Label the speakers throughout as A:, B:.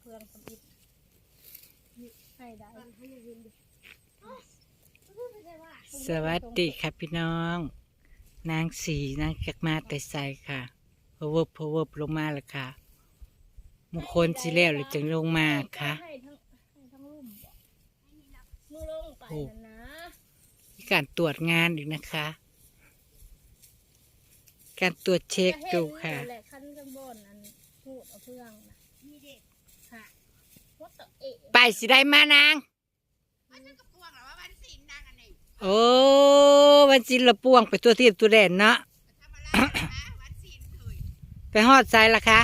A: พื่อนคนอิดให้ได้
B: สวัสดีค่ะพี่น้อง นางสีนางจากมาแต่ใส่ค่ะพะเวิบลงมาแล้วค่ะมงคลสิแล้วหรือจึงลงมาค่ะ
A: ให้ทั้งลุ่มมือลงไปนะ
B: มีการตรวจงานอีกนะคะ การตรวจเช็คดูค่ะ
A: แหละขั้นข้างบนอันพูดเอาเพื่อนนะมีเด็กค่ะวัดตะเอะ
B: ไปสิได้มานางโอ้วันจินละป่วงไปตัวเทียบตัวแดนเนาะ ไปฮอดใจละคะ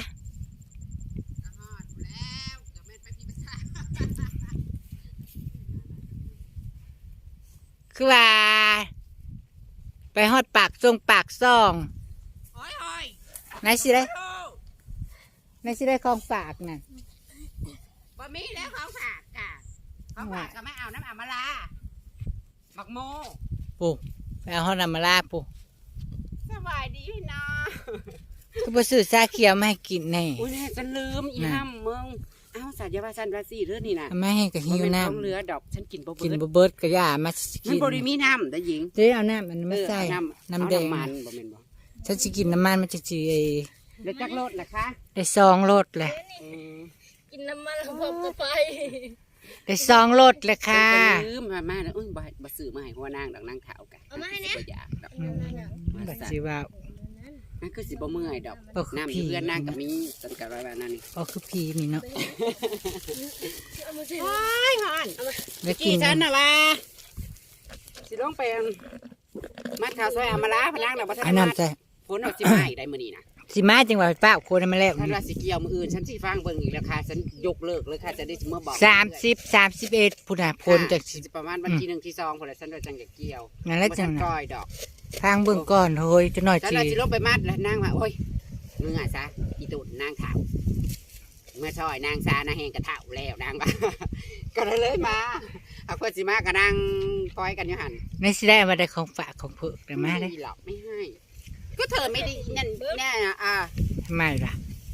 B: คือว่าไปฮอดปากทรงปากซ่องไหนสิได้ของฝากน่ะ
C: บะหมี่แล้วของฝากกะของฝากก็ไม่เอาน้ำอามาลาบักโม
B: ปู่ไปเอาฮอดน้ำมาลาปู่
C: สบายดีพี่น้อง
B: ก็ไปซื้อชาเขียวมาให้กินแน่
C: อุ้ยเนี่ยฉันลืมอีห้ำมึงเอ้าสัญญาว่าฉันราศีเรื่องนี่นะ
B: ไม่ให้กับหิวน้
C: ของเรือดอกฉันกินบ่
B: ำ
C: เบิ
B: กิน
C: ด
B: บเบิดกระยามาสิ
C: มัน
B: กิน
C: บริมีน้ำแต่หญิง
B: เจ๊เอาน้ำมันไม่ใส่ น้ำแดง
C: เอามันบ่แม่นบ่
B: ฉันจะกินน้ำมันมันจะจี
C: แล้วจักรถนะคะ
B: ได้ซองรถเลย
A: กินน้ำมันพร้อมกับไฟ
B: ได้ซองรถเลยค่ะ
C: ฉันก็ลืมมาแล้วอุ้ยบ่ซื้อมาให้หัวนางดอกนางขาวกัน
A: เอามาให้เนี่ย
C: บ่อยากดอก
B: บัดสิว่า
C: นั่นคือสิบ่เมื่อยดอก
B: ก็คือ
C: น้ำอยู่เพื่อนนางกับมีสันกับอะไรแบบนั้นนี่
B: ก็คือพีนี่เนาะ
A: เอามาสิ
C: โอ้ยฮอน
B: ได้กิ
C: กี่
B: น
C: ฉันน่ะว่าสิลงไปมัดข้าวซอยอามาลาพนังน่ะบ่ทั
B: อัน
C: น
B: นั้
C: มาน
B: ใส่
C: ฝนออกสิมาอีกได้มื้อนี้นะ
B: สิมาจังหวะป้าโคนให้มาแล้ว
C: ท่านว่าสิเกี่ยวมื้ออื่นฉันสิฟังเบิ่งอีกแล้วค่ะฉันยกเลิกเลยค่ะจะได้สิมาบอก
B: 31พุ่นน่ะพลจากสิ
C: สิประมาณวันที่1ที่2พุ่นแหละฉันว่าจังจะเกี่ยว
B: นั่นแหละ
C: บ่
B: จั
C: ทั
B: ง
C: น
B: น่ะ
C: ก้อยดอก
B: ทางเบิ่งก่อนเฮ้ยจะหน่อย
C: ฉัน
B: จี
C: ว่าสิลงไปมัดแล้วนางว่าโอ้ยมึงอ่ะซะอีตุ่นนางขาวเมื่อช่อยนางซานางแหงกระเฒ่าแล้วนางว่า ก็เลยมาเอาเพิ่นสิมาก็นั่งปล่อยกันอยู่หั่น
B: ในสิได้มาได้ของฝากของเพิ่นได้มาได้
C: ไม่หรอกไม่ให้ ก็เธอไม่ได้นั่นแน่อ่ะ
B: ทำไมล่ะ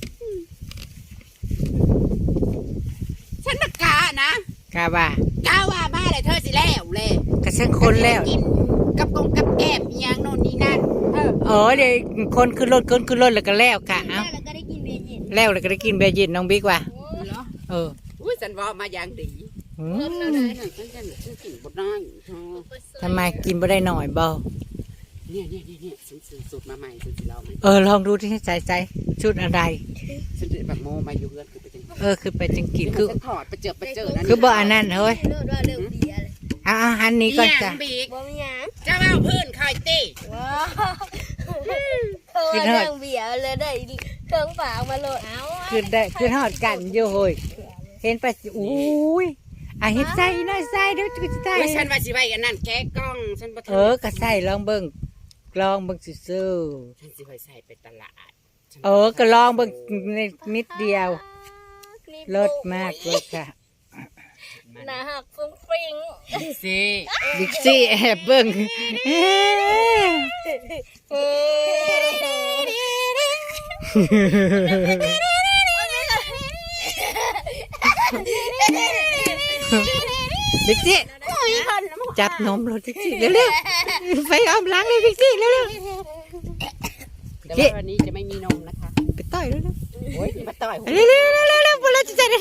C: ฉันมากานะ
B: กาว่าก
C: าว่ามาเลยเธอสิแล้วเลย
B: กระเซ็นคนแล้ว
C: กินกับกงกับแกมอหย่างโน่นนี่นั่นเออ
B: เดี๋ยวคนขึ้นรถแล้วก็แล้วค่ะเอ้า
A: แล้วก็ได้กินเบียร์เย็น
B: แล้วก็ได้กินเบียร์เย็นน้องบิ๊กว่ะ
C: เหรอ
B: เออ
C: อุ้ยฉันว่ามาอย่างดี
B: หื
A: เพิ่ม
B: ม
A: แล้วได้
C: ฉันกินบดน้อยเธอ
B: ทำไมกินบ่ได้หน่อยบ่
C: เนี่ยฉันซื้อสูตรมาใหม่ฉันสิเล่าไหม
B: ลองดูที่ใจชุดอะไร
C: ฉันจะแบบโมมาอยู่เพื่อนคือไปจัง
B: คือไปจังกินคือ
C: ฉันถอดไปเจอนั่น
B: คือบ่อันนั้นเฮ้ย
A: เลิศว่าเลิกเบียร์เลย
B: เอาหันนี้ก่อนจ้ะ
C: บีก
A: บ่มีหยัง
C: จะเอาพื้นคอยตี
A: ว้าวเธอเรื่องเบียร์เลยได้เครื่องฝากมาโหลดเอา
B: คือทอดกันอยู่เฮ้ยเห็นไปสิอุ้ยเฮ็ดใส่หน่อยใส่เดี๋ยวจะใส่
C: ไม่ฉันว่าสิไว้อันนั้นแก้กล้องฉันบ่ทัน
B: ก็ใส่ลองเบิ่งซื่อ
C: ฉันสิไปใส่ไปตลาด
B: ก็ลองเบิ่งนิดเดียวเลิศมากเลยค่ะ
A: หน้าหักฟุ้งฟิ้ง
C: สิ
B: บิ๊กซี่แอบเบิ่ง บิ๊กซี่จับนมรถบิ๊กซี่เร็วๆไปอ้อมล้างเลยบิ๊กซี่เร็ว
C: แต่ว่าวันนี้จะไม่มีนมนะคะ
B: ๆไปต่อยเร็ว
C: โอ้ยมาต่อย
B: ๆเร็วๆๆๆๆพวกเราจะได้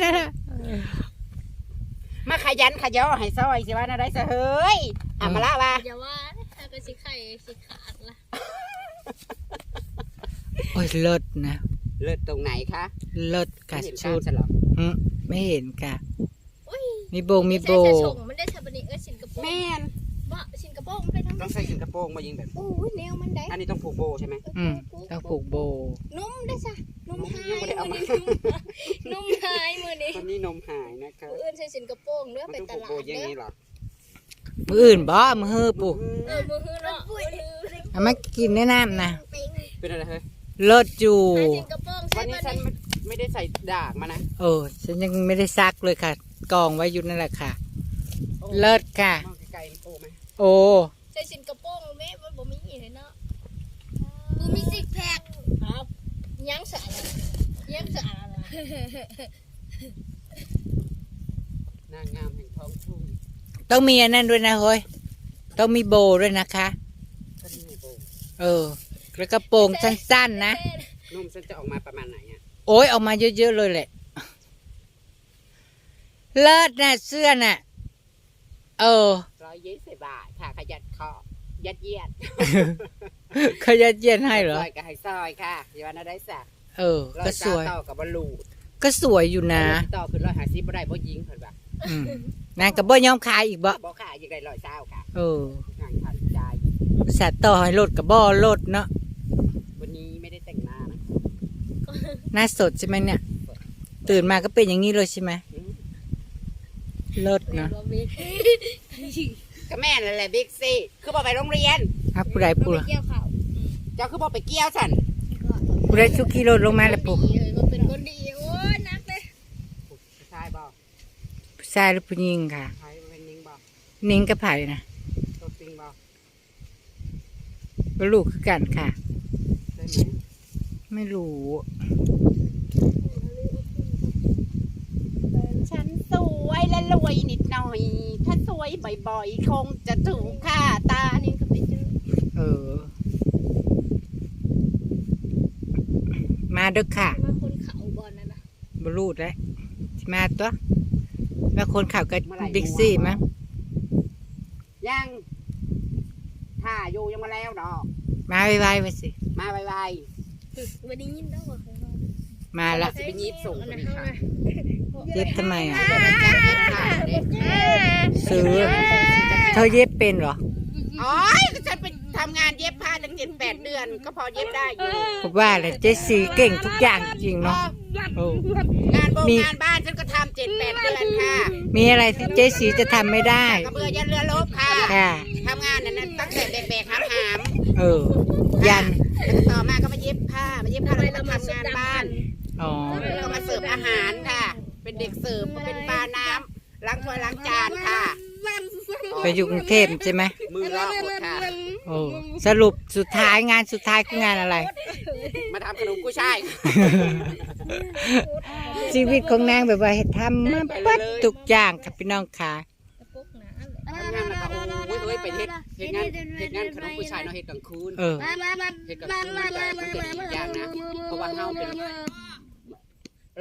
C: มาขยันขยอให้ซอยสิว่าน่าได้ซะเฮ้ยอ่ะมาละว่า
A: อย่าว่าถ้าก็สิไข่สิขาดละ
B: โอ้ยเลิศนะ
C: เลิศตรงไหนคะ
B: เลิศกัด
C: เห็น
B: ชุด
C: ฉันหรอ
B: ไม่เห็นกะ
A: อุ้ย
B: มีโบ
A: ใช่จะส่งมันได้ชาบันิสินกระโปรง
C: แม่น
A: บ่สินกระโปรงไปทำ
C: ต้องใส่ถุงกระโปรงมายิงแบบ
A: โอ้ยแนวมันได้
C: อันนี้ต้องผูกโบใช่ไหม
B: ต้องผูกโบ
A: นุ่มได้ซะนุ่มหาย
C: ยังไม่ได้เอามา
A: นุ่มหายมือนี้
C: ตอนนี้นมหายนะคะ
A: เอื้อนใส่สินกระโปรงเนื้อ
C: มัน
A: ไป
C: ต้อง
A: ต
C: ผูก
A: ลา
C: โบ
A: ด
C: อย่าง
A: เด้อ
C: นี้เหรอ
B: มืออื่นบ่มือฮือปู่
A: มือฮือเนาะ
B: เอามากินแนะนำนะ
C: เป็นอะไรเฮ้ย
B: เลิศอยู่
A: ใส่สินกระโปรงใส่
C: วันนี้
A: มา
C: ฉันไม่ได้ใส่ดากมานะ
B: ฉันยังไม่ได้ซักเลยค่ะ กองไว้อยู่นั่นแหละค่ะ เลิศค่ะ
C: มองไกลๆโอ้ไหม
B: โอ้
A: ใส่สินกระโปรงแม่บ่มีเลยเนาะบ่มีซิกแพคครับยังสะอาดยังสะอาด
C: นางงามแห่งท้องทุ่ง
B: ต้องมีอันนั้นด้วยนะเฮ้ยต้องมีโบด้วยนะคะ
C: ก็นี่ไงโบ
B: แล้วก็โปรงสั้นๆนะ
C: นุ่มฉันจะออกมาประมาณไหนอ่ะ
B: โอ้ยออกมาเยอะๆเลยแหละเลิศนะเสื้อน่ะ
C: 120 บาทค่ะขยัดคอยัดเยียด
B: เขายัดเยียดให้เหรอ
C: ซอยกับไฮซอยค่ะอย่าว่าน่าได้สัก
B: ก็สวย
C: ต่อกับบอลลูน
B: ก็สวยอยู่นะ
C: ต่อคือ150บ่ได้บ่ยิงเพิ่นว่า
B: นางกับบ่ยอมขายอีกบ่
C: บ่ค่ะยังได้120ค่ะ งานทันใจ
B: สัตว์ต่อให้รถกับบ่รถเนาะ
C: วันนี้ไม่ได้แต่งหน้านะ
B: หน้าสดใช่ไหมเนี่ย ตื่นมาก็เป็นอย่างนี้เลยใช่ไหมรถเนาะ
C: ก็แม่นั่นแหละบิ๊กซี่คือบ่ไปโรงเรียน
B: ผู้ใดผู้
A: เกี่ยวเขา
C: เจ้าคือบ่ไปเกี่ยวฉัน
B: ผู้ใดชุกขี่รถลงมาแล้วปุ๊
A: มันเป็นคนดีโอ้ยนักเลย
C: ใช่บ่
B: ผู้ชายหรือผู้หญิงค่ะ
C: ใช่เป็นยิงบ่
B: นิ่งกับไผ่นะ
C: ตัวจริงบ่
B: ก็ลูกคือกันค่ะ
C: ได้ไหม
B: ไม่รู้
C: ฉันสวยและรวยนิดหน่อย ถ้าสวยบ่อยๆคงจะถูกค่าตา
A: อันนี้ก็ไปเจอ
B: มาเด้อค่ะ
A: มาคนเขาบอลนะ
B: บรูดแล้วสิมาตัวแล้วคนขับกับบิ๊กซี่มั้ง
C: ยังถ้าอยู่ยังมาแล้วดอก
B: มาไวๆไปสิ
C: มาไว
A: วันนี้ยินได้หมดเลย
B: มาละ
C: ๆสิไปยิบส่งคนนี้ค่ะ
B: เย็บทำไมอ่ะ
C: เดี๋ยวไปจ้างเย็บค่ะเด็ก
B: ซื้อเธอเย็บเป็นเหรอ
C: อ๋อฉันไปทำงานเย็บผ้าตั้ง7-8 เดือน ก็พอเย็บได้อยู่
B: ผมว่าเลยเจสซี่เก่งทุกอย่างจริงเนาะโอ้
C: งานงานบ้านฉันก็ทำ7-8 เดือนค่ะ
B: มีอะไรที่เจสซี่จะทำไม่ได้
C: กระเบือยันเรือลบค่ะ
B: ค่ะ
C: ทำงานนั้นตั้งแต่แบกๆหาม
B: ยัน
C: ๆต่อมาก็มาเย็บผ้าแล้วก็ทำงานบ้าน
B: อ๋อ
C: แล้วก็มาเสิร์ฟอาหารค่ะ เป็นเด็กเสิร์ฟเป็นปลาน้ำล้างถ้วยล้างจานค่ะ
B: ไปอยู่กรุงเทพใช่ไหม
C: มือลอกหมดค่ะ
B: โอ้สรุปสุดท้ายงานสุดท้ายคืองานอะไร
C: มาทำขนมกุ้ยช่าย
B: ชีวิตของนางแบบว่าเฮ็ดทำมาปัดทุกอย่างค่ะพี่น้องค่ะ
A: ปุ๊กหนา
C: ทำงานแล้วก็โอ้ยไปเฮ็ดงานขนมกุ้ยช่ายเนาะเฮ็ดกลางคืน เฮ็ดกลางคืนมันเป็นอีกอย่างนะ เพราะว่าเฮาเป็นอะไร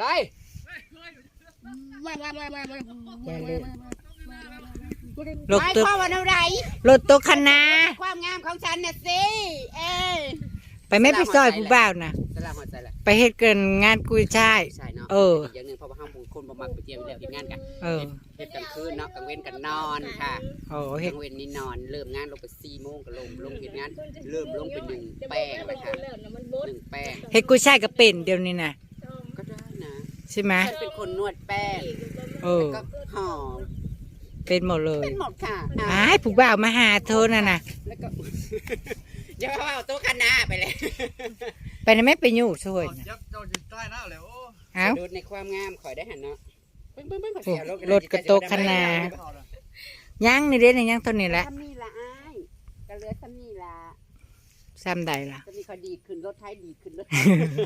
B: รถ
C: หมาย
B: ตัว
C: ความว่าอะไร
B: รถตัวคณะ
C: ความงามของฉันน่ะสิ
B: ไปไม่ไปซอยผู้บ่าวนะ
C: สลามหัวใจแหละ
B: ไปเฮ็ดเกินงานกุยช่าย
C: ใช่เนาะอีกอย่างหนึ่งเพราะว่าเฮาบุญคนบ่มักไปเที่ยวแล้วเฮ็ดงานกันเฮ็ดกลางคืนเนาะกลางเว้นกันนอนค่ะ
B: โอ้
C: ก
B: เฮ็ด
C: ลางเว้นนี่นอนเริ่มงานลงไป4 โมงก็ลงเฮ็ดงานเริ่มลงเป็น1แป้งเลยค่ะ1แป้ง
B: เฮ็ดกุยช่ายก็เป็นเดี๋ยวนี้นะ
C: ก็ได้นะ
B: ใช่ไหม
C: ฉันเป็นคนนวดแป้ง ก็หอม
B: เป็นหมดเลย
C: เป็นหมดค่ะ
B: อ้ายผู้บ่าวมาหาเธอน่ะนะ
C: แล้วก็ อย่าว่าเอาโต๊ะคณะไปเลย
B: ไปนะไม่ไปอยู่ช่วยนะ
D: ยับเจ้าจิตใต้หน้าเลยโอ้
B: เอ้า
C: ดูในความงามขอยได้หันเนาะเบิ้งขอเสีย
B: รถกระโตกคณะ ยังนี่เด้นี่ยังตัวนี้แหละ
C: ซ้ำนี่ละอ้ายกระเลือซ้ำนี่ละ
B: ซ้ำใดล่ะ
C: จะมีเขาดีขึ้นรถไทยดีขึ้นรถ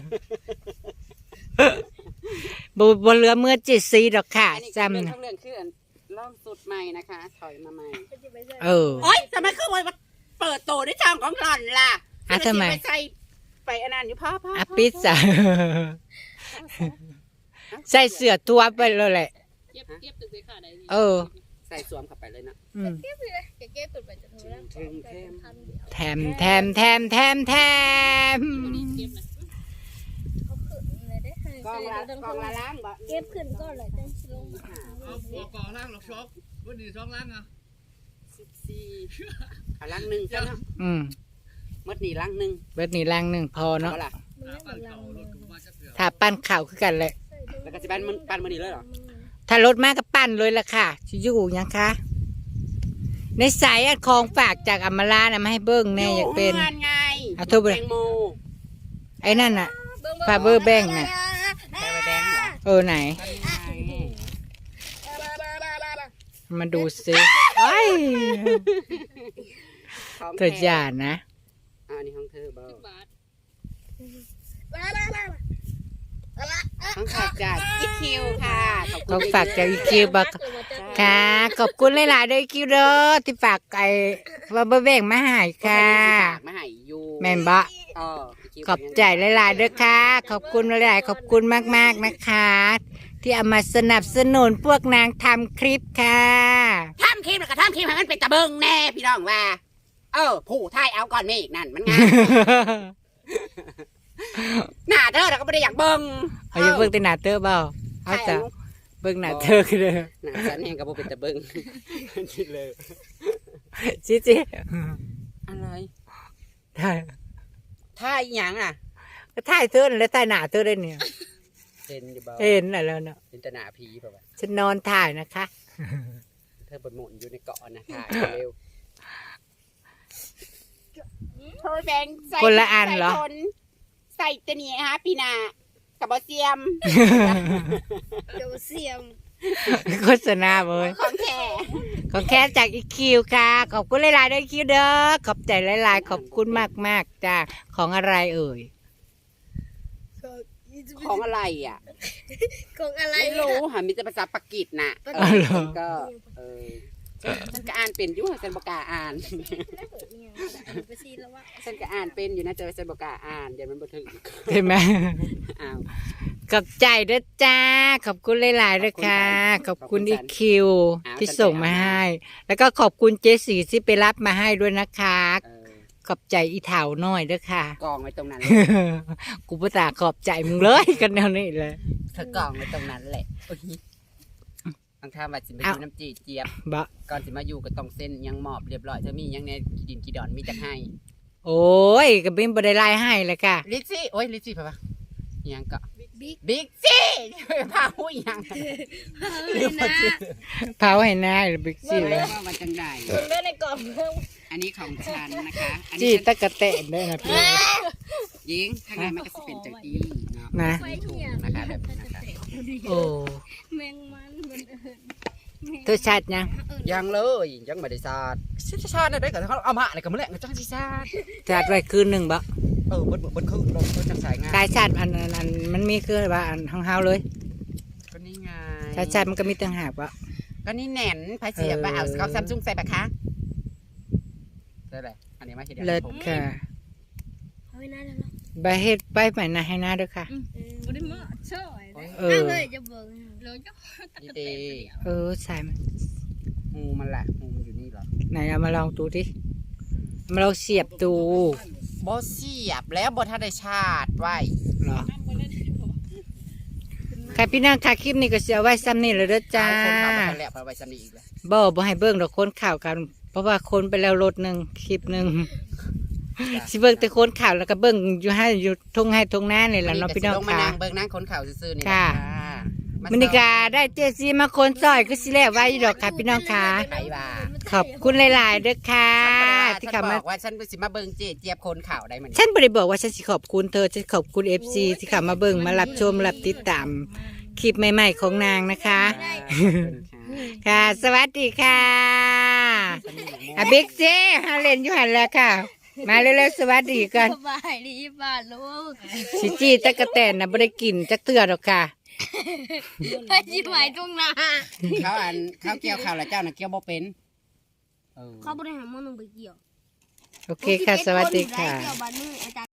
B: บ่เหลือเมื่อ7 4ดอกค่ะ
C: อันนี้
B: ซ้ำ
C: เรื่อง
B: นะ
C: ทั้งเรื่องคือล่องสุดใหม่นะคะ ถอยมาใหม่ โอ๊ยทำไมคือวันเปิดโตด้วยช่องของหล่อนล่ะ
B: ทำไม
C: ไปใส่ไปอันนั้นอยู่พ่อ
B: อ่ะปิดจ้ะใส่เสื้อตัวไปเลยแหละ
C: ใส่สวมเข้าไปเลยนะ
A: เก็บตุ่นไปจะโทรแล้ว
B: แถมแถมแถมแถมแถม
C: กองละล้างบ่
A: เก็บขึ้นก็เลยจะลง
D: เอาหัวก่อล่างหรอกช็อกวันนี้ช่องล่างอ่ะ
C: 14เอาล้างหนึ่งซะเนาะ มดนี่ล้างหนึ่ง
B: เบิดนี่ลังหนึ่งพอเนาะ
C: เอาล่ะ
D: ปั้นเข่ารถกูมาจะเสือ
B: ถ้าปั้นข่าวคือกันเลย
C: แล้วก็สิปั้นมันนี่เลยเหรอ
B: ถ้ารถมากก็ปั้นเลยล่ะค่ะชิอยู่ยังคะในสายอัดของฝากจากอำมาลานะมาให้เบิ้งแน่อยากเป็น
C: งานไง
B: เอาโทรไป
C: แตงโม
B: ไอ้นั่นน่ะฟาเบอร์แบงน่ะ
C: แบงค์เหรอ
B: ไหน
C: อันนี้ไง
B: มาดูซิไอ้ย
C: ของ
B: เธออย่านะ
C: อันนี้ของเธอเบาของขาดจากอีคิวค่ะ
B: ของฝากจากอีคิวบอกค่ะ ขอบคุณหลายๆเด้ออีคิวเด้อที่ฝากไอ้ว่าบ่แบ่งมาให้ค่ะ
C: มาให้อยู่
B: แม่นบ่
C: เออคิว
B: ขอบใจหลายๆเด้อค่ะ ขอบคุณหลายๆขอบคุณมากๆนะคะ ที่เอามาสนับสนุนพวกนางทำคลิปค่ะ
C: ทำคลิปแล้วก็ทำคลิปให้มันเป็นตะเบิงแน่พี่น้องว่า ผู้ไทยเอาก่อนเมฆนั่นมันงามหน้าเธอเราก็ไม่ได้อยากเบิง
B: เอาอย่าเบิ่งแต่หน้าเตอเปล่าเอาจ้ะเบิ่งหน้าเตอคือเด้อ
C: หน้าฉันเองก็บ่เป็นตะเบิงคิดเลย
B: จิจิ
C: อะไร
B: ถ่าย
C: ท่ายหยังอ่ะ
B: ก็ถ่ายเธอนั่นแหล้วถ่ายหน้าเธอได้เนี่ย
C: เห็นอยู่บ่
B: เห็นน่ะแล้วเนาะ
C: เห็นแต่หน้าผีเปล่าวะ
B: ฉันนอนถ่ายนะคะ
C: เธอบนหมุนอยู่ในเกาะนะถ่ายเร็วเธอแบงใส่
B: คนละอันเหรอ
C: ใส่ตัวนี้ฮะปีนากับบอเซียม
A: เดี๋ยวเสียม
B: โฆษณาเว้ย
C: ของแท้
B: ของแค่จากอีคิวค่ะ ขอบคุณหลายๆด้วยคิวเด้อขอบใจหลายๆ ขอบคุณมากๆจ้าของอะไรเอ่ย
C: ของอะไรอ่ะ
A: ของอะไร
C: ไม่รู้ค่ะมีแต่ภาษาปากีสน่ะ
B: อ๋อเหรอ
C: ก็ฉันก็อ่านเป็นอยู่ค่ะฉันบอกกล้าอ่าน
A: ไปซีแล้วว่า
C: ฉันก็อ่านเป็นอยู่นะแต่ว่าฉันบอกกล้าอ่านเดี๋ยวมันบ่ถึง
B: ใช่ไหม
C: อ้าว
B: ขอบใจด้วยจ้า ขอบคุณหลายๆด้วยค่ะ ขอบคุณอีคิวที่ส่งมาให้ แล้วก็ขอบคุณเจสีที่ไปรับมาให้ด้วยนะคะ ขอบใจอีเถาหน่อยด้วยค่ะ
C: กองไว้ตรงนั้น
B: กูประตาขอบใจมึงเลยกันแนวนี้เลย
C: เธอกองไว้ตรงนั้นแหละโอ้ยบางท่าว่าสิมาอยู่น้ำจีเจี๊ยบ
B: บะ
C: ก่อนสิมาอยู่ก็ต้องเส้นยังหมอบเรียบร้อยเธอมียังในขี้ดินขี้ดอนมีจักให้
B: โอ้ยกับบินบได้ไล่ให้เลยค่ะ
C: ลิซซี่โอ้ยลิซซี่ปะยังก็
A: บิ๊ก
C: บิ๊กซี่พาหูยัง
A: เลยนะ
B: เผาให้นายหรือบิ๊กซี่เลย
C: ว่ามันจังได้
A: เลือดในกล่องเพิ่ม
C: อันนี้ของฉันนะคะอัน
B: จี้
C: นี้
B: ตะกะแตนด้วยนะพี่
C: ยิงข้างในมันก็จะเป็นจังอีเนาะ
B: นะ
C: ไม่ถูกนะคะแบบนี้นะคะ
B: โอ้
A: แมงมันมัน
B: เธอชัดยัง
C: ยังเลยยังไม่ได้สาดชิชาเนี่ยได้กับเขาเอามาอะไรกันมาแหละจังชิชาด
B: ชัดไว้คืนหนึ่งบะ
C: บนคือลงบนจังสายงาน
B: กายชัดอันมันมีคือว่าอันห้องเฮาเลย
C: ก็นี่ไง
B: ชัดมันก็มีต่างหากบะ
C: ก็นี่แหน่นพายเสียบไปเอาเขาซัมซุงใส่ปะคะได้เลยอันนี้มาทีเดียว
B: เลิศค่ะ
A: เอาไว้นะแล้ว
B: ใบเฮ็ดใบใหม่นาให้หน้าด้วยค่ะ
A: บ่ได้มาช่วย
B: เออ
A: เลยจะเบิ่งเลยจ้ะ
C: นี่ดี
B: ใส่มัน
C: งูมันแหละงูมันอยู่นี่เหรอ
B: ไหนเอามาลองดูดิเอามาลองเสียบดู
C: บอเสียบแล้วบอทันได้ชาติไว้
B: เหรอค่ะพี่นางค่ะคลิปนี้ก็เสียไว้ซ้ำนี่เลยเด้อจ้า
C: คนขับมาแล้วไปไว้สนีอีกเลย
B: บ่ให้เบิ่งดอกคนข่าวกัน เพราะว่าคนไปแล้วรถหนึ่งคลิปหนึ่งสิเบิ่งแต่คนข่าวแล้วก็เบิ่งอยู่ให้อยู่ทงให้ทงหน้านี่แหละเนาะพี่น้อง
C: ลงมา
B: ค่ะ
C: นั่งเบิ่งนั่งคนข่าวซื่อๆนี่
B: ค่ะ
C: มา
B: มินิกาได้เจซีมาคนซอยก็สิแล้วไว้อยู่ดอกค่ะพี่น้องค่ะ
C: ไปว่า
B: ขอบคุณหลายๆเด้อค่ะที่
C: ฉัน
B: เข้ามา
C: บอกว่าฉันสิมาเบิ่งเจี๊ยบคนข่าวได้มัน
B: ฉันบ่ได้บอกว่าฉันสิขอบคุณเธอฉันขอบคุณ FC ที่เข้ามาเบิ่งมารับชมรับติดตามคลิปใหม่ๆของนางนะคะ ค่ะ สวัสดีค่ะอ่ะบิ๊กเจ้ฮาเล่นอยู่หันแล้วค่ะ มาเร็วๆสวัสดีกัน
A: สบายดีบ้านลูก
B: สิจี้ตะกะแตนน่ะบ่ได้กินจักเตือดอกค่ะ
A: ไปจิหมายตรงหน้า
C: เขาเกี่ยวข่าวแล้วเจ้าน่ะเกี่ยวบ่เป็น
A: เขาบ่ได้หาหมอนึงไปเกี่ยว
B: โอเคค่ะ สวัสดีค่ะ
A: เกี่ยวบ้านมืออาจารย์